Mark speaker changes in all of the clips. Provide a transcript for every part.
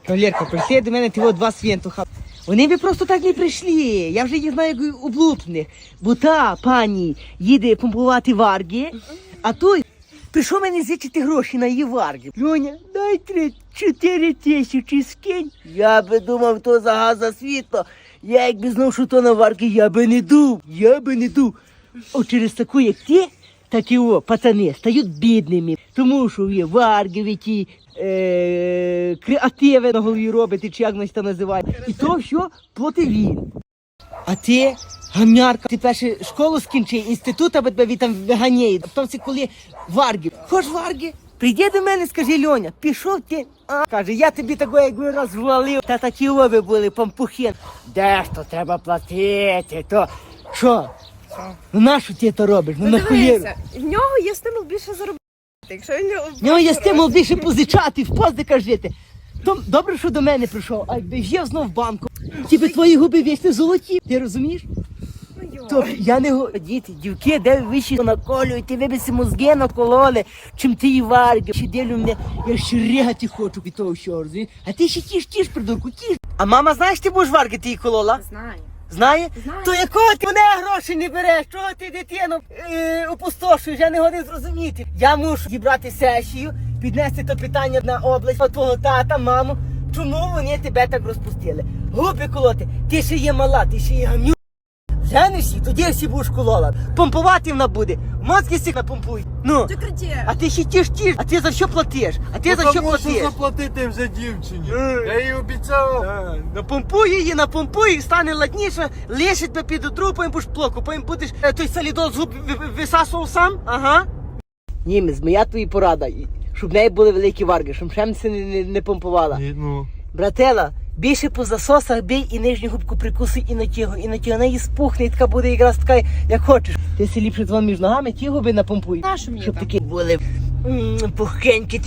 Speaker 1: Кавалерка, прийшли до мене ті два свинтуха. Вони би просто так не прийшли. Я вже їх знаю як облупних. Бо та пані їде помпувати варги, а той прийшов мене зичити гроші на її варги. Льоня, дай 4 тисячі скинь. Я би думав, то за газ за світло. Я якби знав, що то на варги, я би не дув. О, через таку, як ти, такі пацани стають бідними. Тому що є варги, ті креативи на голові робити, чи як нас це називає. І то що платить він. А ти, гамярка, ти перше школу скінчи, інститут, аби тебе там виганяє. А потім коли варги. Хоч варги? Прийди до мене, скажи, Льоня, пішов ти. Каже, я тобі такого якби розвалив. Та такі оби були, пампухи. Де ж то треба платити, то що? Ну нащо ти це робиш? Ну нахуєру.
Speaker 2: В нього є стимул більше заробити. Якщо
Speaker 1: в нього є стимул більше позичати, в поздиках жити. То добре, що до мене прийшов, а якби жив знов в банку, ті би твої губи вічно золоті, ти розумієш? То я не говорю, діти, дівки, де вищі наколюють, ти вибиси мозги накололи, чим ти і варги. Ще ділю мене, я ще ригати хочу від того всього, розумієш? А ти ще тіш, придурку, тіш. А мама, знаєш, ти будеш варги, ти її колола?
Speaker 2: Знаю.
Speaker 1: Знає?
Speaker 2: Знаю.
Speaker 1: То якого ти мене гроші не береш? Чого ти дитину опустошуєш? Я не годин зрозуміти. Я мушу зібрати сесію, піднести то питання на область, а твого тата, маму. Чому вони тебе так розпустили? Губи колоти, ти ще є мала, ти ще є гамню. Женишся, тоді всі будеш колола. Помпувати вона буде. Мозки всіх напомпують. Ну.
Speaker 2: Ти кричи.
Speaker 1: А ти ще тіш. А ти за що платиш?
Speaker 3: Мушу заплатити вже дівчині. Я їй обіцяв.
Speaker 1: Напомпуй, стане ладніше, лишить тебе під отру, потім будеш плоку, потім будеш той солідол з губ висасував сам, ага. Німець, моя тобі порада, щоб в неї були великі варги, щоб шемці не помпувала. Братела, більше по засосах бій і нижню губку прикуси і на тігу, вона її спухне, і така буде якраз така, як хочеш. Ти си ліпше двом між ногами ті губи напомпуй. Щоб такі були пухенькі,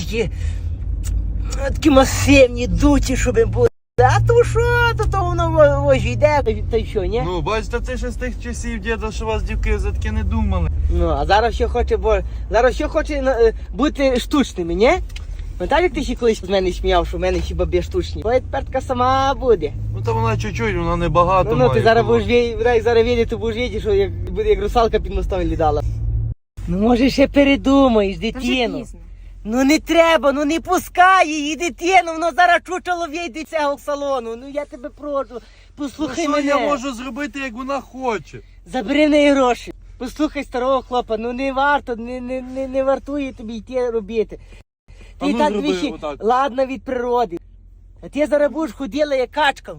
Speaker 1: такі масивні, дуті, щоб були. А то що, то воно ось йде, та й що, ні?
Speaker 3: Ну, бачите, це ще з тих часів, діда, що вас дівки за таке не думали.
Speaker 1: Ну, а зараз що хоче бути штучними, ні? Пам'ятаєш, як ти ще колись з мене сміяв, що в мене ще бабі штучні? Ой, тепер така сама буде.
Speaker 3: Ну, та вона чуть-чуть, вона не багато має.
Speaker 1: Ну, ти зараз будеш видіти, будеш видіти, що буде як русалка під мостом лідала. Ну, може, ще передумаєш, дитину. Ну не треба, ну не пускай її, дитину, воно зараз чучело війде цього салону. Ну я тебе прошу, послухай мене.
Speaker 3: Що я можу зробити, як вона хоче?
Speaker 1: Забери в неї гроші. Послухай старого хлопа, ну не варто, не вартує тобі йти робити. Ти так двічі ладна від природи. А ти зараз будеш ходила як качка.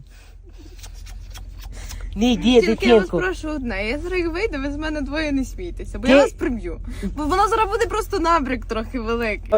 Speaker 1: Не йди,
Speaker 2: тільки
Speaker 1: дитинку.
Speaker 2: я вас прошу одне, я зараз як вийду, ви з мене двоє не смійтеся, бо я вас приб'ю. Бо воно зараз буде просто набрик трохи великий.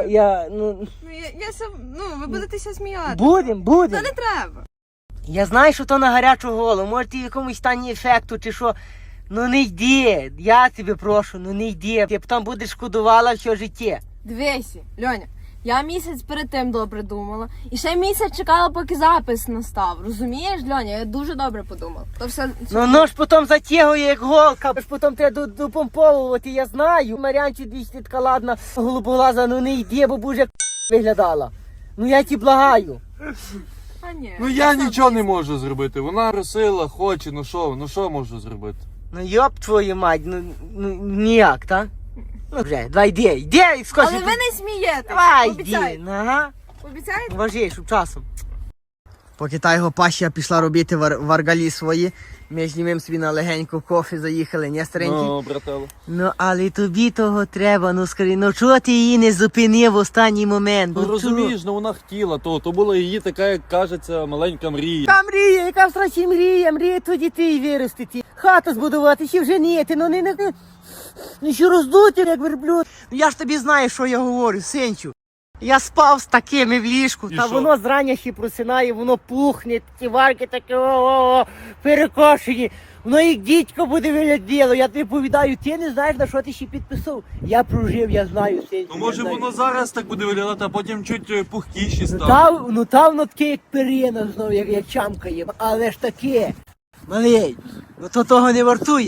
Speaker 2: Ви будетеся сміяти.
Speaker 1: Будем.
Speaker 2: Та не треба.
Speaker 1: Я знаю, що то на гарячу голову, може ти в якомусь стані ефекту чи що. Ну не йди, я тебе прошу, ну не йди. Ти потім будеш шкодувала все життя.
Speaker 2: Дивися, Льоня, я місяць перед тим добре думала. І ще місяць чекала, поки запис настав. Розумієш, Льоня? Я дуже добре подумала. То все...
Speaker 1: Ну ж потім затягує як голка, ж потім треба допомповувати, я знаю. Мар'янчі двічі така ладна, голубоглаза, ну не йди, бо будеш як виглядала. Ну я ті благаю.
Speaker 2: А ні.
Speaker 3: Ну я нічого не можу зробити. Вона просила, хоче, ну що можу зробити?
Speaker 1: Ну йоп твою мать, ну ніяк, так? Ну вже, давай йди, скажи.
Speaker 2: Але ви не смієте.
Speaker 1: Давай,
Speaker 2: обіцяйте.
Speaker 1: йди, ага.
Speaker 2: Обіцяєте?
Speaker 1: Важіє, щоб часом. Поки та його паща пішла робити варгалі свої, ми з ним собі на легеньку кофе заїхали, не старенький?
Speaker 3: Ну, брателло.
Speaker 1: Ну, але тобі того треба, ну скажи, ну чого ти її не зупинив в останній момент?
Speaker 3: Ну розумієш, ну вона хотіла, то була її така, як кажеться, маленька мрія.
Speaker 1: Яка мрія, яка в страші мрія то дітей виростити, хату збудувати, ще вженіти, ну ще роздути, як верблюд. Ну я ж тобі знаю, що я говорю, синчу. Я спав з такими в ліжку,
Speaker 3: І
Speaker 1: та
Speaker 3: що?
Speaker 1: воно зрання ще просинає, воно пухне, ті варки такі перекошені. Воно як дідько буде вигляділо, я тобі повідаю, ти не знаєш, на що ти ще підписав. Я прожив, я знаю, синчу.
Speaker 3: Ну може воно зараз так буде виглядати, а потім чуть пухкіші стане.
Speaker 1: Та воно таке, як перина знову, як чамкає, але ж таке. Малий, ну то того не вартує.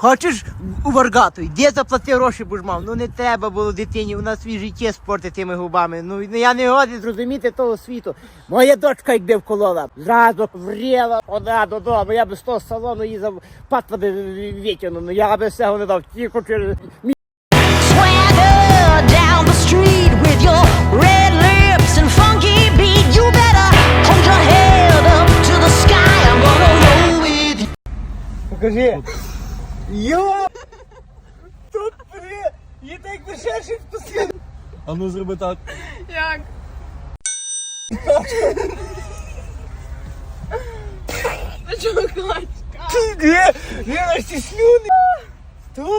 Speaker 1: хочеш у Варгату, де заплати гроші будеш мав. Ну не треба було дитині, у нас свій життя спорти тими губами. Ну я не годен зрозуміти того світу. Моя дочка якби вколола, зразу вріла, вона додому, я би з того салону її патла би витягнув, ну я би всього не дав, тільки через
Speaker 4: Swagger down the street with your red lips and funky beat. You better hold your head up to the sky. I'm gonna roll with you.
Speaker 1: Покажи. Йо! Тут при... Є так би ще щось посвіт.
Speaker 3: А ну зроби так.
Speaker 2: Як? А чого клач?
Speaker 1: Де? Де наші слюни? Тут?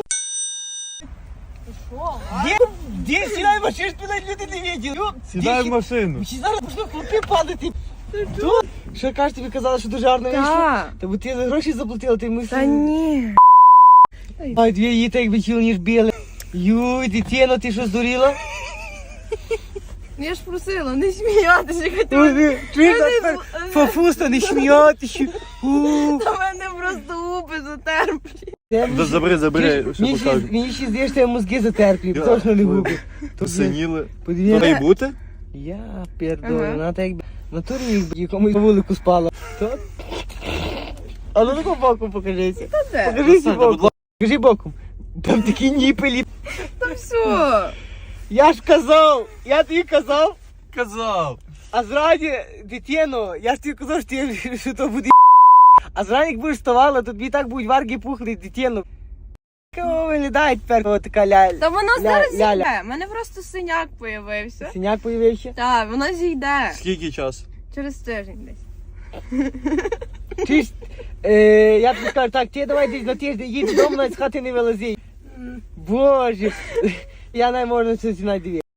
Speaker 2: Що?
Speaker 1: Де сідай в машину, спинать люди не виділи.
Speaker 3: Сідай в машину.
Speaker 1: Чи зараз почну хлопці падати? Тут? Що кажеш, тобі казали, що дуже гарно вийшло?
Speaker 2: Так.
Speaker 1: Та бо ти за гроші заплатила, ти мислиш.
Speaker 2: Та ні.
Speaker 1: Ай, дві її так би тіло, ніж біле. Юй, дитино, ти що здуріла?
Speaker 2: Ну, я ж просила, не сміятися, хотіла.
Speaker 1: Ой, чуєш, а тепер фафуста, не сміятися.
Speaker 2: Та мене просто губи затерплі.
Speaker 3: Забери, що покажу.
Speaker 1: Мені ще здається, що я мозги затерплю, точно не губи.
Speaker 3: Посиніли.
Speaker 1: Подивіться.
Speaker 3: То й бути?
Speaker 1: Я пердолю,
Speaker 2: Ага.
Speaker 1: вона так якби на турі якби якомусь по вулику спала. То? А ну таку боком покажися.
Speaker 2: де?
Speaker 1: Покажися боком. Покажи боком. Там такі ніпелі.
Speaker 2: Та все.
Speaker 1: Я ж казав, я тобі казав,
Speaker 3: Казав.
Speaker 1: а зраді, дитину, я ж тобі казав, що то буде а зраді, як будеш вставала, то тобі так будуть варги пухли, дитину. Кого виглядає тепер о, така
Speaker 2: Та воно
Speaker 1: ля-
Speaker 2: зараз
Speaker 1: ляля.
Speaker 2: зійде. У мене просто синяк появився.
Speaker 1: Синяк появився?
Speaker 2: Так, воно зійде.
Speaker 3: Скільки часу?
Speaker 2: Через тиждень десь.
Speaker 1: Чись, я тобі скажу, так, ти давай десь на тиждень їдь додому, навіть з хати не вилази. Боже, я не можу це знайти.